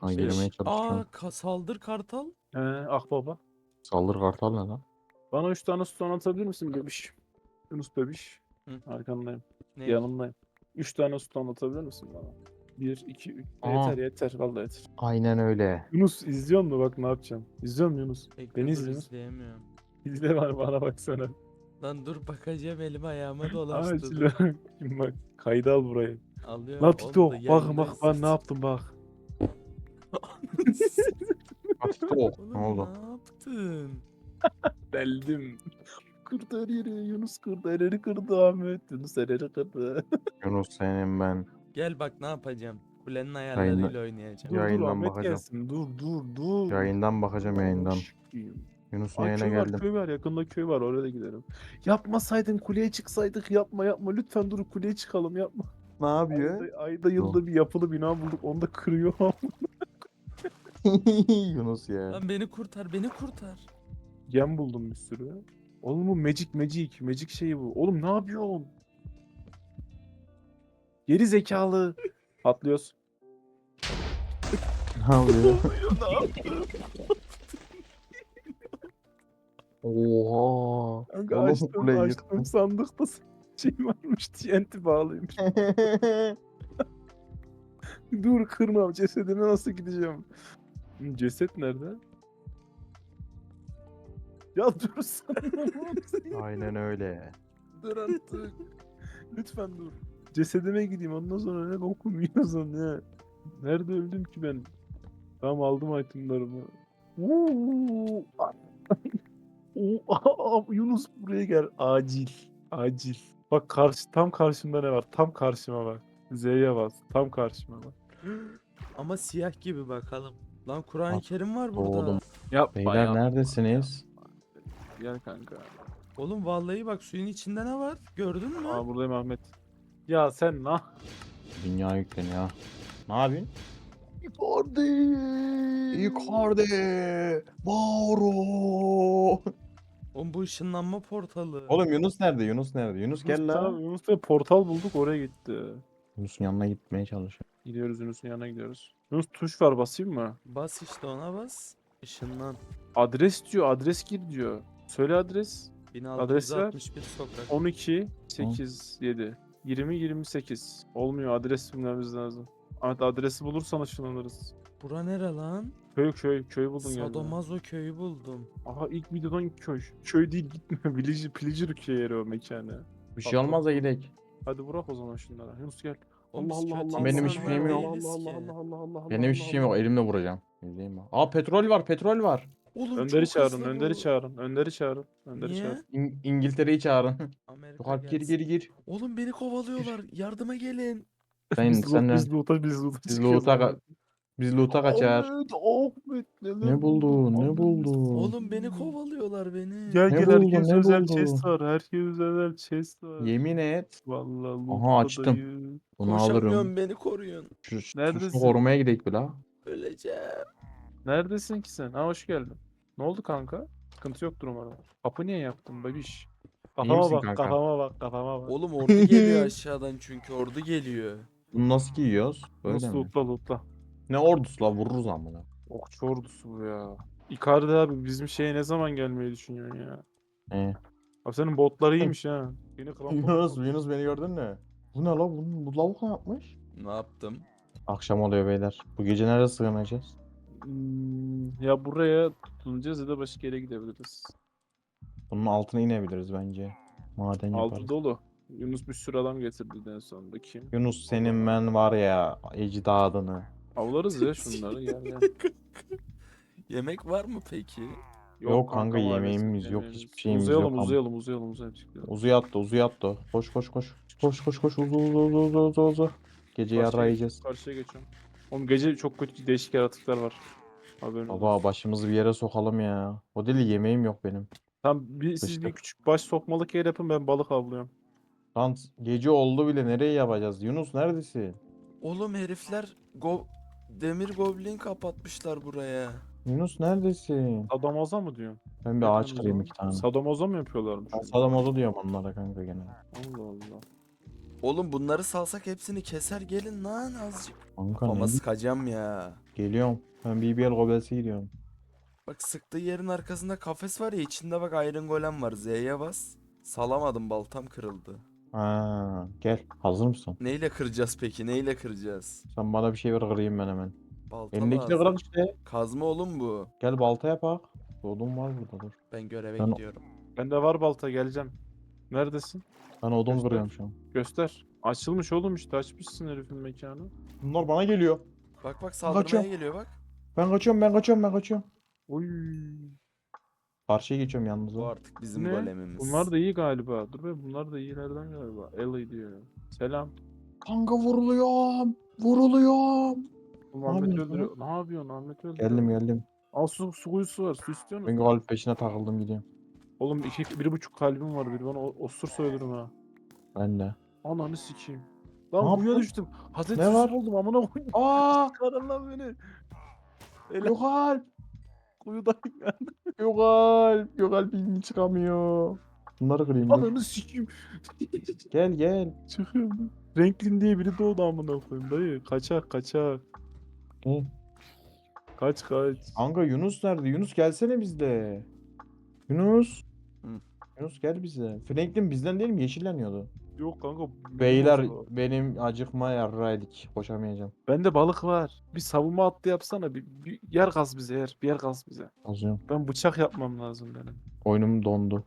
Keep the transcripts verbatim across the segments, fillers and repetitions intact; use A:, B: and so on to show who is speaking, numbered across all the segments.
A: Ha,
B: Beş.
A: girmeye
B: Aa
A: çalışıyorum.
B: ka- saldır kartal.
C: He, akbaba.
A: Saldır kartal ne lan?
C: Bana üç tane stone atabilir misin bebiş? Yunus bebiş.
B: Hı.
C: Arkandayım.
B: Ne?
C: Yanındayım. Üç tane stone atabilir misin bana? Bir, iki, üç.
A: Aa.
C: Yeter yeter. Vallahi yeter.
A: Aynen öyle.
C: Yunus izliyor mu bak ne yapacağım? İzliyor musun Yunus?
B: Bekle
C: Beni
B: dur
C: izle Yunus.
B: izleyemiyorum.
C: İzle var bana baksana.
B: Lan dur bakacağım elim ayağıma dolaştı.
C: Acil.
B: dur.
C: Şimdi bak kaydı al burayı.
B: Alıyorum.
C: Lan
B: Oğlum da
C: TikTok bak
B: yayındayız
C: bak ben ne
B: zaten.
C: yaptım bak.
A: Hadi oh. Ne
B: Oğlum
A: oldu?
B: ne yaptın?
C: Deldim. Kırdı her yeri. Yunus kırdı. Her yeri kırdı Ahmet. Yunus her yeri kırdı.
A: Yunus senin ben.
B: Gel bak ne yapacağım. Kulenin
A: Yayında-
B: ayarlarıyla oynayacağım.
C: Dur dur
A: Yayından
C: Ahmet
A: bakacağım.
C: gelsin. Dur dur dur.
A: Yayından bakacağım yayından.
C: Aşkım.
A: Yunus'un
C: Ay
A: yayına
C: köy var
A: geldim.
C: köy var yakında köy var oraya da gidelim. Yapmasaydın kuleye çıksaydık yapma yapma lütfen dur kuleye çıkalım yapma.
A: Ne yapıyor?
C: Ayda, ayda yılda bir yapılı bina bulduk onu da kırıyor.
A: Yunus ya.
B: Lan beni kurtar beni kurtar.
C: Gem buldum bir sürü. Oğlum bu magic magic magic şeyi bu. Oğlum ne yapıyorsun? Geri zekalı. Atlıyoruz.
A: Ne yapıyor?
B: ne yaptın?
A: Oha.
C: Kanka
A: Oğlum
C: açtım
A: kuleyi
C: açtım sandıkta şey varmış T N T bağlıymış. Dur kırmam cesedine nasıl gideceğim? Hı, ceset nerede? Ya dur sen.
A: Aynen öyle.
C: Dur artık. Lütfen dur. Cesedime gideyim ondan sonra ne bokum yiyorsun ya. Nerede öldüm ki ben? Tamam aldım itemlarımı. Uuu. Oo, Yunus buraya gel. Acil. Acil. Bak karşı tam karşımda ne var? Tam karşıma bak. Z'ye bas. Tam karşıma bak.
B: Ama siyah gibi bakalım. Lan Kur'an-ı
A: Bak,
B: Kerim var burada.
A: oğlum.
C: Yapma
A: Beyler
C: yapma,
A: neredesiniz?
C: yapma. Gel kanka.
B: Oğlum vallahi bak suyun içinde ne var? Gördün mü?
C: Aa buradayım Ahmet. Ya sen ne?
A: Dünya yükleniyor. Ne yapıyorsun?
C: Icardi.
A: Icardi! Mauro!
B: Oğlum bu ışınlanma portalı.
A: Oğlum Yunus nerede? Yunus nerede? Yunus gel
C: Yunus,
A: la.
C: tamam, Yunus da portal bulduk oraya gitti.
A: Yunus'un yanına gitmeye çalışıyor.
C: Gidiyoruz Yunus'un yanına gidiyoruz. Yunus tuş var basayım mı?
B: Bas işte ona bas. Işınlan.
C: Adres diyor adres gir diyor. Söyle adres. Adres ver.
B: bin altı yüz altmış bir sokak.
C: on iki sekiz yedi yirmi yirmi sekiz. Olmuyor adres bilmemiz lazım. Ahmet adresi bulursan ışınlanırız.
B: Bura nere lan?
C: Köy köy köy buldun geldi.
B: Sadomaso köyü buldum.
C: Aha ilk videodan köy. Köy değil gitme. Villager, Pillager köy yeri o mekanı.
A: Bir şey olmaz da gidelim.
C: Hadi bırak o zaman şunlara. Yunus gel.
B: Oğlum
C: Allah
B: biz
C: Allah
B: kötü
C: Allah.
A: Benim
C: Allah,
A: hiçbir
B: insanlar
A: şeyim yok.
B: değiliz
C: Allah
B: ki.
C: Allah Allah Allah Allah.
A: Benim hiçbir
C: Allah,
A: şeyim yok.
C: Allah.
A: Elimle vuracağım. İzleyin bak. Aa petrol var, petrol var.
B: Oğlum
C: Önder'i
B: çok
C: çağırın,
B: hızlı
C: Önder'i
B: bu.
C: çağırın, Önder'i çağırın, Önder'i
B: Niye?
C: çağırın.
A: İng- İngiltere'yi çağırın.
B: Amerika
A: Yok abi gir
B: gelsin.
A: gir gir.
B: Oğlum beni kovalıyorlar. Yardıma gelin.
A: Sen
C: Biz loot,
A: sen
C: biz loot'a, biz loot'a
A: Biz
C: çıkıyoruz.
A: loot'a
C: Ahmet.
A: ka- biz loot'a kaçar.
C: Ahmet, Ahmet neler
A: Ne buldun? Ne
C: Ahmet.
A: buldun?
B: Oğlum beni kovalıyorlar beni.
C: Gel
A: Ne
C: gel
A: buldun,
C: herkes
A: ne
C: özel
A: buldun?
C: chest var, herkes özel chest var.
A: Yemin et.
C: Vallahi
A: Aha, açtım.
C: loot'tadayız.
A: Bunu alırım.
B: Koşamıyorum beni koruyun.
A: Şu, şu
C: Neredesin?
A: tuşunu korumaya gidelim bir la.
B: Öleceğim.
C: Neredesin ki sen? Ha hoş geldin. Ne oldu kanka? Sıkıntı yoktur umarım. Kapı niye yaptın babiş? Kafama
A: misin
C: bak,
A: kanka?
C: kafama bak, kafama bak.
B: Oğlum ordu geliyor aşağıdan çünkü ordu geliyor.
A: Bunu nasıl giyiyoruz? Böyle
C: Nasıl
A: mi?
C: lootla lootla.
A: Ne ordusu la vururuz amına.
C: Okçu ordusu bu ya. Icardi abi bizim şeye ne zaman gelmeyi düşünüyorsun ya?
A: Ee.
C: Abi senin botlar iyiymiş ha. Yeni krampon.
A: Yunus, Yunus beni gördün mü? Bu ne la? Bu, bu lavuk ne yapmış?
B: Ne yaptım?
A: Akşam oluyor beyler. Bu gece nerede sığınacağız?
C: Hmm, ya buraya tutunacağız ya da başka yere gidebiliriz.
A: Bunun altına inebiliriz bence. Maden yaparız.
C: Altı dolu. Yunus bir sürü adam getirdi en son. Bakayım.
A: Yunus senin ben var ya ecdadını.
C: Avlarız ya şunları gel gel.
B: Yemek var mı peki?
A: Yok kanka,
C: maalesef,
A: yemeğimiz yok,
C: yemeğimiz.
A: hiçbir şeyimiz
C: uzayalım,
A: yok ama.
C: Uzayalım uzayalım uzayalım uzayalım.
A: Uzu yattı, uzu yattı. Koş koş koş. Koş koş koş uzu uzu uzu uzu uzu uzu. Gece
C: Karşıya
A: yarra yiyeceğiz.
C: Karşıya geçiyorum. Oğlum gece çok kötü değişik yaratıklar var. Haberin olsun.
A: Baba başımızı bir yere sokalım ya. O deli yemeğim yok benim.
C: Tamam bir, siz bir
A: Sıçtık.
C: küçük baş sokmalık yer yapın ben balık avlıyorum.
A: Lan gece oldu bile, nereye yapacağız? Yunus neredesin?
B: Oğlum herifler go demir goblin kapatmışlar buraya.
A: Yunus neredesin?
C: Sadomazo mu diyorsun?
A: Ben bir
C: Ne
A: ağaç
C: diyorsunuz
A: kırayım
C: lan?
A: iki tane.
C: Sadomazo mu yapıyorlarmış?
A: Ben Sadamozu diyorum onlara kanka gene.
C: Allah Allah.
B: Oğlum bunları salsak hepsini keser gelin lan azıcık.
A: Kanka
B: Ama
A: ne?
B: sıkacağım ya.
A: Geliyorum. Ben B B L Gobels'e gidiyorum.
B: Bak sıktığı yerin arkasında kafes var ya, içinde bak Iron Golem var. Z'ye bas. Salamadım, baltam kırıldı.
A: Ha, gel. Hazır mısın?
B: Neyle kıracağız peki? Neyle kıracağız?
A: Sen bana bir şey ver kırayım ben hemen.
B: Balta
A: Elindekini
B: lazım.
A: kırak işte.
B: Kazma oğlum bu.
A: Gel balta yapak. Odun var burada dur.
B: Ben göreve
A: Ben-
B: gidiyorum.
C: Bende var balta, geleceğim. Neredesin?
A: Ben odun
C: Göster.
A: kırıyorum şu an.
C: Göster. Açılmış oğlum işte, açmışsın herifin mekanı.
A: Bunlar bana geliyor.
B: Bak bak saldırmaya
A: Kaçıyorum.
B: geliyor bak.
A: Ben kaçıyorum ben kaçıyorum ben kaçıyorum.
C: Oy.
A: Karşıya geçiyorum yalnız.
B: Bu
A: ha.
B: artık bizim
C: Ne?
B: golemimiz.
C: Bunlar da iyi galiba. Dur be, bunlar da iyilerden galiba. Ellie diyor. Selam.
A: Kanka vuruluyorum. Vuruluyorum.
C: Bu
A: Ne
C: Ahmet
A: yapıyorsun
C: öldürüyor. Ne yapıyorsun? Ahmet öldürüyor.
A: Geldim geldim.
C: Al su, su kuyusu var. Su istiyor musun?
A: Ben galip peşine takıldım gidiyorum.
C: Oğlum iki, bir buçuk kalbim var. Bir bana o- osursa ölürüm ha.
A: Ben de.
C: Ananı sikeyim.
A: Ne
C: Lan kuyuya
A: yapıyorsun?
C: düştüm. Hazreti
A: Ne
C: Yusuf
A: var?
C: oldum amına koyayım.
A: Aa!
C: Çıkarın lan beni. Ele
A: Yok alp.
C: kuyudayım ya.
A: Yok alp. Yok alp ilmi çıkamıyor. Bunları kırayım dur.
C: Ananı sikeyim.
A: Gel gel.
C: Çıkıyorum. Franklin diye biri doğdu amına koyayım dayı. Kaçak kaçak.
A: Hı.
C: Kaç kaç.
A: Kanka Yunus nerede? Yunus gelsene bizde. Yunus.
B: Hı.
A: Yunus gel bize. Franklin bizden değil mi? Yeşilleniyordu.
C: Yok kanka.
A: Beyler
C: bilmem o.
A: benim acıkma yarraydık. Koşamayacağım.
C: Bende balık var. Bir savunma hattı yapsana. Bir, bir yer kaz bize yer. Bir yer kaz bize.
A: Azıyorum.
C: Ben bıçak yapmam lazım benim.
A: Oyunum dondu.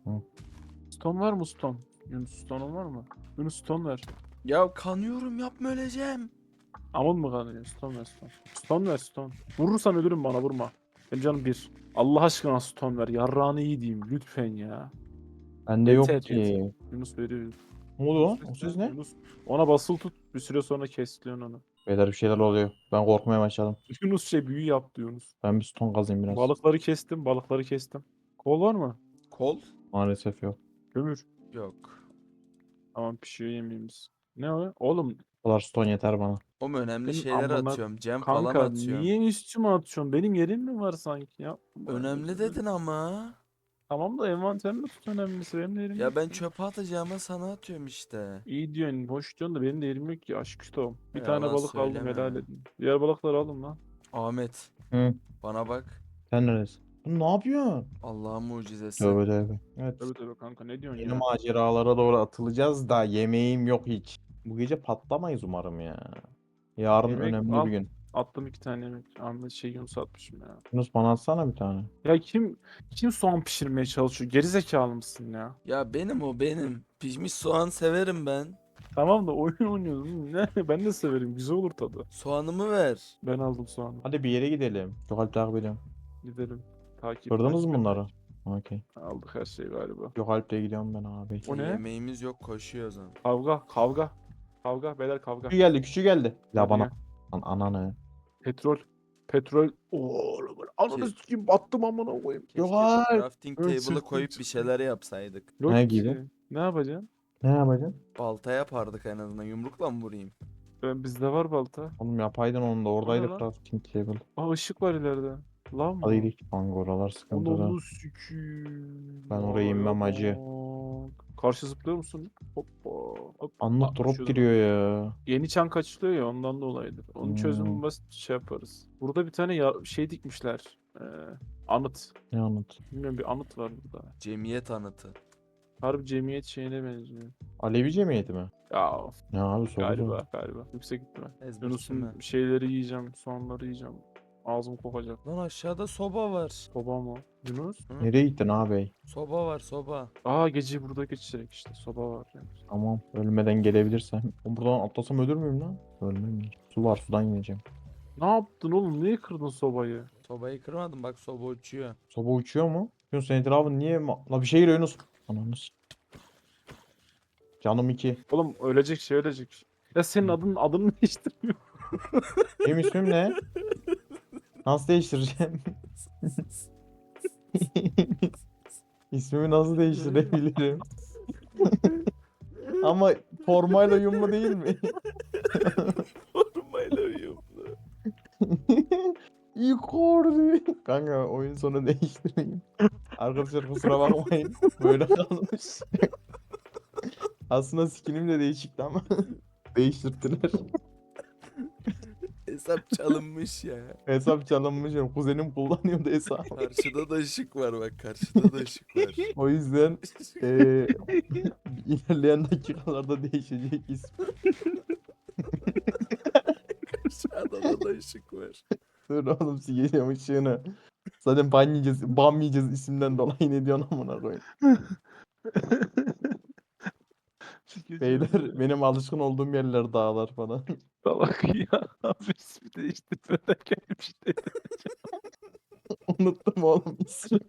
C: Stone var mı stone? Yunus stone'un var mı? Yunus stone ver.
B: Ya kanıyorum, yapma, öleceğim.
C: Aman mı kanıyor? Stone ver stone. Stone ver stone. Vurursan ölürüm, bana vurma. Benim canım bir. Allah aşkına stone ver. Yarrağını iyi diyeyim lütfen ya.
A: Bende
C: Yeter,
A: yok ki.
C: yeter. Yunus veriyor.
A: Ne oldu lan?
C: Yunus
A: O
C: ver,
A: ses ne?
C: Yunus. Ona basılı tut. Bir süre sonra kesliyorsun onu.
A: Beyler bir şeyler oluyor. Ben korkmaya başladım.
C: Yunus şey büyü yaptı Yunus.
A: Ben bir ston kazayım biraz.
C: Balıkları kestim. Balıkları kestim. Kol var mı?
B: Kol?
A: Maalesef yok.
C: Kömür.
B: Yok.
C: Tamam, pişiyor yemeğimiz. Ne o? Oğlum
A: Bu kadar ston yeter bana.
B: Oğlum önemli
C: Benim
B: şeyler
C: amına-
B: atıyorum. Cem falan
C: kanka
B: atıyorum.
C: niye üstüme atıyorsun? Benim yerim mi var sanki ya?
B: Önemli dedin ama.
C: Tamam da envanterimi tut, önemlisi benim de yerim
B: Ya
C: yok
B: ben
C: ki.
B: çöpe atacağıma sana atıyorum işte.
C: İyi diyorsun, boş diyorsun da benim de yerim yok ki, aşk üstü. Bir
B: Ya
C: tane
B: yalan
C: balık aldım,
B: söyleme.
C: helal edin. Diğer balıkları alın lan.
B: Ahmet,
A: Hı.
B: bana bak.
A: Sen neredesin? Bu ne yapıyorsun?
B: Allah'ın mucizesi.
A: Tövbe tövbe. Evet.
C: Tabii tabii kanka, ne diyorsun
A: Yeni
C: ya?
A: maceralara doğru atılacağız da yemeğim yok hiç. Bu gece patlamayız umarım ya. Yarın
C: Yemek
A: önemli
C: al.
A: bir gün.
C: Attım iki tane yemek. Ahmet şey Yunus atmışım ya.
A: Yunus bana atsana bir tane.
C: Ya kim kim soğan pişirmeye çalışıyor? Gerizekalı mısın ya?
B: Ya benim o benim. Pişmiş soğan severim ben.
C: Tamam da oyun oynuyoruz. Ne? Ben de severim. Güzel olur tadı.
B: Soğanımı ver.
C: Ben aldım soğanı.
A: Hadi bir yere gidelim. Çok Alp takip ediyorum.
C: Gidelim. Takip.
A: Kırdınız mı
C: takip
A: bunları?
C: etmek.
A: Okey.
C: Aldık her şeyi galiba.
A: Yok Alp'le gidiyorum ben abi.
C: O ne?
B: Yemeğimiz yok, koşuyoruz ama.
C: Kavga, kavga. Kavga, beyler kavga.
A: Küçük geldi küçük geldi. Ya
C: Hadi
A: bana.
C: gel.
A: Lan ananı.
C: Petrol. Petrol. Oğlum ananı
B: Ke-
C: sikeyim, battım amına koyayım.
B: Keşke
A: Yok
B: şu
A: ay.
B: crafting
C: Ön
B: table'ı
C: sırtım
B: koyup bir
C: çıktı.
B: şeyler yapsaydık.
C: Yok
A: Ne
C: ki.
A: gibi?
C: Ne yapacaksın?
A: Ne yapacaksın?
B: Balta yapardık en azından. Yumrukla mı vurayım?
C: Ben, bizde var balta.
A: Oğlum yapaydın onu da oradaydı
C: lan?
A: crafting table.
C: Aa, ışık var ileride. Lan mı?
A: Hadi gidelim. Kanka oralar sıkıntıda.
C: Onu sikiyim.
A: Ben oraya inmem
C: Vay
A: hacı.
C: bak. Karşı zıplıyor musun? Hoppa. Hop.
A: Anlık
C: Aa,
A: drop
C: düşüyordum.
A: giriyor ya.
C: Yeni çan kaçılıyor ya, ondan dolayıdır. Onun çözümü
A: Hmm.
C: basit, şey yaparız. Burada bir tane ya, şey dikmişler. Ee, anıt.
A: Ne anlat?
C: Bilmiyorum, bir anıt var burada.
B: Cemiyet anıtı.
C: Harbi cemiyet şeyine benziyor.
A: Alevi cemiyeti mi?
C: Ya
A: Ne abi soru
C: galiba galiba. Yüksek ihtimal.
B: Ezberçi
C: Yunus'un
B: mi?
C: şeyleri yiyeceğim, soğanları yiyeceğim. Ağzım kokacak.
B: Lan aşağıda soba var.
C: Soba mı? Yunus?
B: Hı?
A: Nereye gittin abi?
B: Soba var, soba.
C: Aa, geceyi burada geçecek işte. Soba var yani.
A: Tamam ölmeden gelebilirsen. Oğlum buradan atlasam ölür müyüm lan? Ölmem ya. Su var sudan yiyeceğim.
C: Ne yaptın oğlum? Niye kırdın sobayı?
B: Sobayı kırmadım, bak soba uçuyor.
A: Soba uçuyor mu? Yunus senin etrafın niye? ma- La bir şey geliyor Yunus. Ananı s- Canım iki.
C: Oğlum ölecek şey ölecek. Ya senin adın adını değiştirmiyor.
A: Benim ismim ne? Nasıl değiştireceğim? İsmimi nasıl değiştirebilirim? Ama formayla uyumlu değil mi?
B: Formayla uyumlu.
A: Yukarı. Kanka oyun sonu değiştireyim. Arkadaşlar kusura bakmayın. Böyle kalmış. Aslında skinim de değişikti ama değiştirdiler.
B: Hesap çalınmış ya.
A: Hesap çalınmış. Kuzenim kullanıyordu hesabı.
B: Karşıda da ışık var bak. Karşıda da ışık var.
A: O yüzden eee ilerleyen dakikalarda değişecek ismi.
B: Aşağıda da ışık var.
A: Dur oğlum sikeceğim ışığını. Zaten ban yiyeceğiz, ban yiyeceğiz isimden dolayı ne diyorsun amına koyayım. Beyler benim alışkın olduğum yerler dağlar falan.
C: Salak ya. Abi ismi değiştirmeden gelmiş dedi.
A: Unuttum oğlum ismi.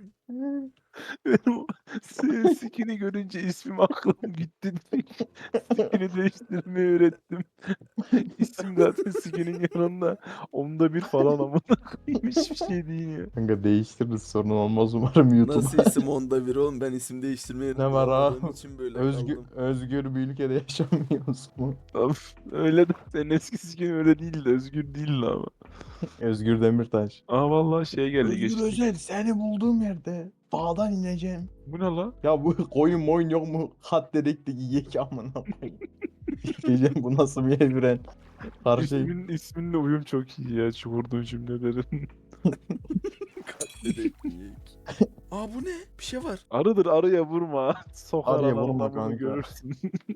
C: Benim o senin skin'i görünce ismim aklım gitti. Skin'i değiştirmeyi öğrettim. İsim zaten skin'in yanında. Onda bir falan amına koyayım. Hiçbir şey değil ya.
A: Kanka değiştiririz sorun olmaz umarım YouTube'a.
B: Nasıl isim onda bir oğlum? Ben isim değiştirmeyi
A: Ne var ha?
B: anlamadığım için böyle
A: Özgür,
B: kaldım.
A: özgür bir ülkede yaşamıyoruz mu?
C: Abi, öyle de senin eski skin öyle değildi. Özgür değildi ama.
A: Özgür Demirtaş.
C: Aa vallahi şey geldi geçti.
A: Özel seni bulduğum yerde dağdan ineceğim.
C: Bu ne la?
A: Ya bu koyun moyun yok mu? Kat dedek de yiyek amına koyayım. Diyeceğim bu nasıl bir evren? Karşı
C: İsmin, isminle uyum çok iyi ya şu vurduğun cümlelerin.
B: Dedek yiyek. Aa bu ne? Bir şey var.
C: Arıdır arıya vurma. Sokar
A: Arıya
C: ananı
A: vurma
C: bunu
A: kanka.
C: görürsün.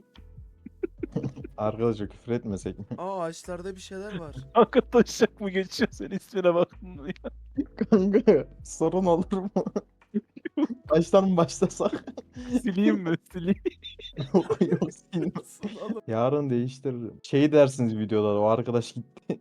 A: arkadaşlar küfür etmesek mi?
B: Aa ağaçlarda bir şeyler var.
C: Kanka taşak mı geçiyor sen ismine baktın mı ya?
A: Kanka sorun olur mu? Baştan mı başlasak?
C: Sileyim mi? Sileyim.
A: yok yok silmez.
B: Nasıl oğlum?
A: Yarın değiştiririm. Şey dersiniz videoda o arkadaş gitti.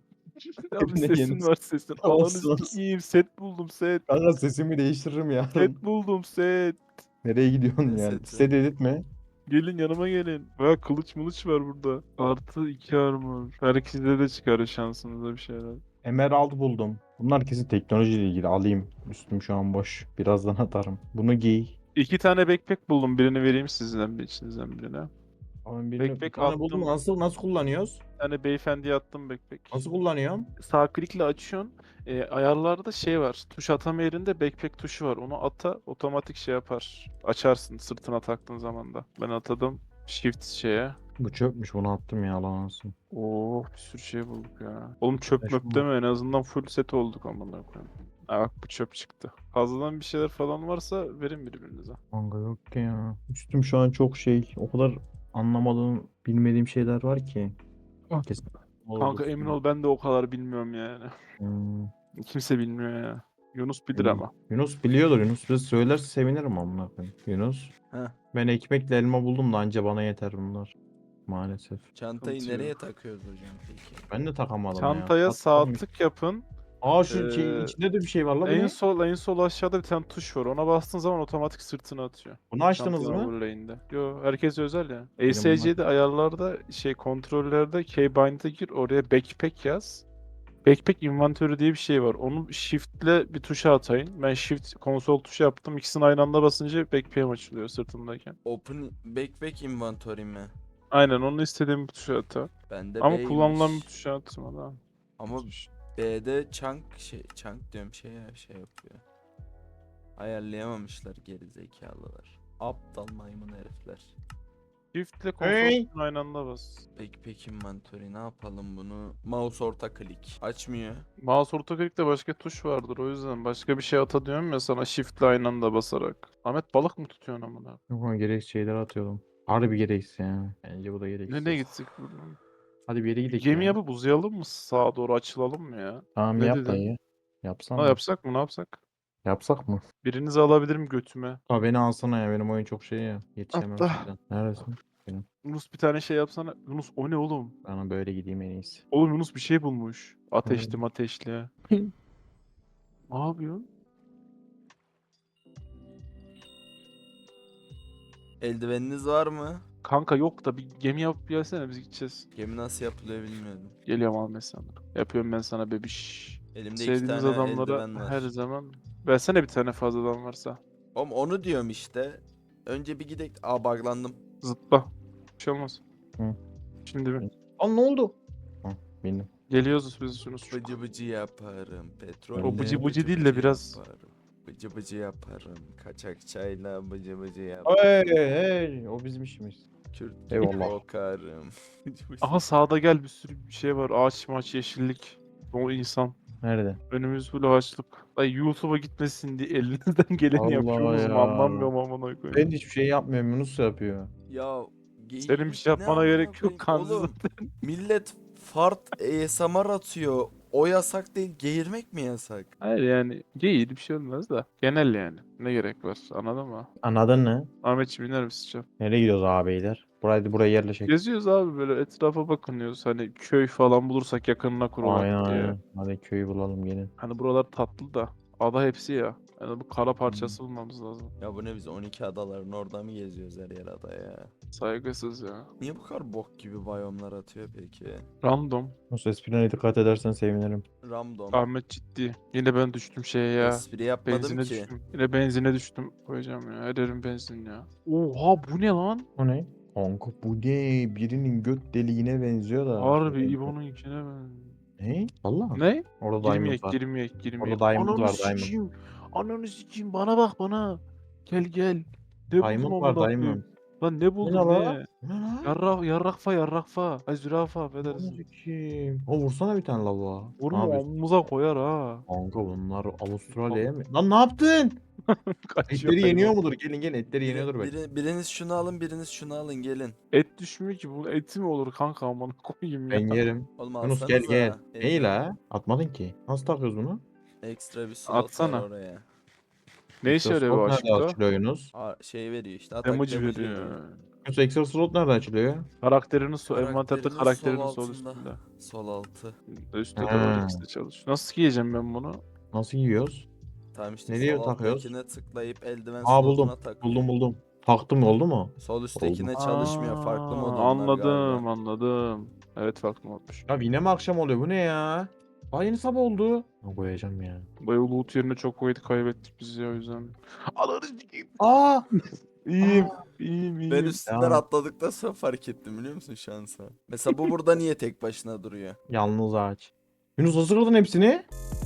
C: Abi
A: Ne
C: sesin
A: yenisi?
C: var sesin.
A: Olsun,
C: Ananı
A: olsun.
C: sikeyim. Set buldum set.
A: Kanka sesimi değiştiririm yarın.
C: Set buldum set.
A: Nereye gidiyorsun
B: Ne
A: ya?
B: seti?
A: Set edit mi?
C: Gelin yanıma gelin. Baya kılıç mılıç var burada. Artı iki armor. Herkese de çıkarır şansınıza bir şeyler.
A: Emerald buldum. Bunlar kesin teknolojiyle ilgili. Alayım. Üstüm şu an boş. Birazdan atarım. Bunu giy.
C: İki tane backpack buldum. Birini vereyim sizden bir içinizden birine.
A: Ama birini,
C: Backpack
A: bir tane
C: attım.
A: buldum. Nasıl nasıl kullanıyoruz?
C: Bir tane beyefendiye attım backpack.
A: Nasıl kullanıyorum?
C: Sağ klikle açıyorsun. E, ayarlarda şey var. Tuş atama yerinde backpack tuşu var. Onu ata otomatik şey yapar. Açarsın sırtına taktığın zaman da. Ben atadım. Shift şeye.
A: Bu çöpmüş. Bunu attım ya lan olsun.
C: Oo bir sürü şey bulduk ya. Oğlum çöp
A: Beş
C: möp
A: bu.
C: deme en azından full set olduk amına koyayım. Ha bak bu çöp çıktı. Fazladan bir şeyler falan varsa verin birbirinize.
A: Kanka yok ki ya. Üstüm şu an çok şey. O kadar anlamadığım, bilmediğim şeyler var ki.
C: Ah.
A: Kesin.
C: Kanka emin ol ben de o kadar bilmiyorum yani.
A: Hmm.
C: Kimse bilmiyor ya. Yunus bilir
A: Hmm.
C: ama.
A: Yunus biliyordur. Yunus bize söylerse sevinirim amına koyayım. Yunus.
B: Heh.
A: Ben ekmekle elma buldum da anca bana yeter bunlar. Maalesef.
B: Çantayı
C: Sıkıntı
B: nereye
C: yok.
B: takıyoruz hocam peki?
A: Ben de takamadım
C: Çantaya
A: ya.
C: sağ
A: Takamadım.
C: tık yapın.
A: Aa şu şey
C: Ee,
A: içinde de bir şey var la bu
C: En
A: ne?
C: sol en sol aşağıda bir tane tuş var. Ona bastığın zaman otomatik sırtını atıyor.
A: Bunu açtınız
C: Çantanın
A: mı?
C: overlay'inde. Yo herkes özel ya.
A: Benim
C: E S C'de ayarlarda şey kontrollerde keybind'e gir oraya backpack yaz. Backpack inventörü diye bir şey var. Onu shift'le bir tuşa atayın. Ben shift konsol tuşu yaptım. İkisini aynı anda basınca backpack'im açılıyor sırtımdayken.
B: Open backpack inventory mi?
C: Aynen onu istediğim bir tuşa ata.
B: Bende
C: Ama
B: B'ymiş.
C: kullanılan bir tuşa atma da.
B: Ama B'de chunk şey chunk diyorum şey şey yapıyor. Ayarlayamamışlar geri zekalılar. Aptal maymun herifler.
C: Shift'le konsol
A: Hey!
C: tuşunu aynı anda bas.
B: Backpack inventory ne yapalım bunu? Mouse orta klik. Açmıyor.
C: Mouse orta klikte başka tuş vardır o yüzden. Başka bir şey ata diyorum ya sana shift'le aynı anda basarak. Ahmet balık mı tutuyorsun amına?
A: Yok ama gereksiz şeyler atıyordum. Harbi gereksiz ya. Bence bu da gereksiz.
C: Nereye gitsek buradan?
A: Hadi bir yere gidelim
C: Gemi
A: ya.
C: yapıp uzayalım mı? Sağa doğru açılalım mı ya?
A: Tamam
C: Ne
A: yap
C: dedin?
A: dayı. Yapsana.
C: Ha yapsak mı ne yapsak?
A: Yapsak mı?
C: Birinizi alabilirim götüme.
A: Ha beni alsana ya benim oyun çok şey ya. Yetişemem
C: Atla.
A: sizden. Neredesin?
C: Yunus bir tane şey yapsana. Yunus o ne oğlum?
A: Bana böyle gideyim en iyisi.
C: Oğlum Yunus bir şey bulmuş. Ateşli ateşli. Ne yapıyorsun?
B: Eldiveniniz var mı?
C: Kanka yok da bir gemi yapıp gelsene biz gideceğiz.
B: Gemi nasıl yapılıyor bilmiyordum.
C: Geliyorum Ahmet sana. Yapıyorum ben sana bebiş.
B: Elimde iki
C: Sevdiğiniz
B: tane
C: adamlara
B: eldiven var.
C: her zaman. Versene bir tane fazladan varsa.
B: Oğlum onu diyorum işte. Önce bir gidek. Aa buglandım.
C: Zıpla. Bir şey olmaz.
A: Hı.
C: Şimdi bir.
A: Aa ne oldu? Ha bindim.
C: Geliyoruz biz Yunus.
B: Bıcı bıcı yaparım. Petrol.
A: O
C: bıcı bıcı değil de biraz-
B: Yaparım. Bıcı bıcı yaparım. Kaçak çayla bıcı bıcı yaparım.
A: Hey hey o bizim işimiz.
B: Kürt
A: Eyvallah.
B: kokarım.
C: Aha sağda gel bir sürü bir şey var. Ağaç maç yeşillik. O insan.
A: Nerede?
C: Önümüz full ağaçlık. Ay YouTube'a gitmesin diye elinizden geleni
A: Allah
C: yapıyorsunuz mu
A: ya.
C: anlamıyorum amına koyayım.
A: Ben de hiçbir şey yapmıyorum. Yunus yapıyor.
B: Ya geyik
C: Senin bir şey
B: ne
C: yapmana
B: amına
C: gerek yok,
B: koyayım?
C: Kanzi
B: Oğlum millet fart A S M R atıyor. O yasak değil, geğirmek mi yasak?
C: Hayır yani değil bir şey olmaz da. Genel yani. Ne gerek var anladın mı?
A: Anladın ne?
C: Ahmetciğim iner misin canım?
A: Nereye gidiyoruz ağabeyler? Burayı buraya yerleşek.
C: Geziyoruz abi böyle etrafa bakınıyoruz. Hani köy falan bulursak yakınına kurulak
A: Aynen
C: diye.
A: aynen. Hadi köyü bulalım gelin.
C: Hani buralar tatlı da. Ada hepsi ya. Yani bu kara parçası bulmamız lazım.
B: Ya bu ne biz on iki adaların orada mı geziyoruz her yer ada ya?
C: Saygısız ya.
B: Niye bu kadar bok gibi biyomlar atıyor peki?
C: Random.
A: Yunus esprine dikkat edersen sevinirim.
B: Random.
C: Ahmet ciddi. Yine ben düştüm şeye ya.
B: Espri yapmadım
C: Benzine
B: ki.
C: düştüm. Yine benzine düştüm. Koyacağım ya. Her yerim benzin ya. Oha bu ne lan?
A: O ne? Kanka bu ne? Birinin göt deliğine benziyor da.
C: Harbi İbo'nun içine ben.
A: Ne? Valla.
C: Ne?
A: Orada diamond
C: Girmeyek,
A: var.
C: girmeyek, girmeyek.
A: Orada diamond
C: Ananı
A: var, diamond.
C: sikeyim. Ananı sikeyim. Bana bak bana. Gel gel. Ne buldum
A: Diamond var
C: amına
A: diamond.
C: koyayım? Lan ne
A: Bu ne
C: buldum
A: la?
C: ne?
A: Bu ne la?
C: Yarrak, yarrakfa, yarrakfa. Ay zürafa
A: Ananı
C: affedersin.
A: sikeyim. O vursana bir tane lavuğa. Ne
C: Vurma
A: yapıyorsun?
C: omumuza koyar ha.
A: Kanka bunlar Avustralya'ya mı? Lan ne yaptın?
C: Kaçıyor
A: Etleri yeniyor
C: hayvan.
A: mudur? Gelin gelin etleri
B: Biri-
A: yeniyordur belki.
B: biri- biriniz şunu alın, biriniz şunu alın gelin.
C: Et düşmüyor ki. Bu eti mi olur kanka amına koyayım ya.
A: Ben yerim.
B: Oğlum
A: Yunus gel
B: alsanıza.
A: gel.
B: E,
A: Neyi la? Atmadın ki. Nasıl takıyoruz bunu?
B: Ekstra bir slot
C: Atsana.
B: var oraya.
C: Ne işe yarıyor bu
A: Slot nerede
C: aşkta?
A: açılıyor Yunus?
B: Aa, şey veriyor işte. Atak
C: Emoji
B: damage
C: veriyor.
A: Yunus extra slot nerede açılıyor?
C: Karakterinin sol, envanterde
B: Karakterinin
C: karakterinin
B: sol
C: sol
B: altında.
C: üstünde.
B: Sol altı.
C: Üstte de
A: Ha.
C: var ikisi de çalış. Nasıl giyeceğim ben bunu?
A: Nasıl yiyoruz?
B: Tamam işte
A: Nereye
B: sol
A: takıyoruz?
B: alttakine tıklayıp eldiven
A: Aa
B: slotuna
A: buldum.
B: tak.
A: Buldum buldum. Taktım oldu mu?
B: Sol üsttekine
A: Oldu.
B: çalışmıyor. Farklı mod
C: Aa,
B: onlar
C: Anladım
B: galiba.
C: anladım. Evet farklı modmuş.
A: Ya yine mi akşam oluyor? Bu ne ya? Aa yeni sabah oldu. Ne koyacağım ya?
C: Bayağı loot yerine çok kuvvet kaybettik biz ya o yüzden. Ananı sikeyim.
A: Aa!
C: İyiyim. İyiyim iyiyim.
B: Ben üstünden
A: Ya.
B: atladıktan sonra fark ettim biliyor musun şansa? Mesela bu burada niye tek başına duruyor?
A: Yalnız ağaç. Yunus nasıl kırdın hepsini?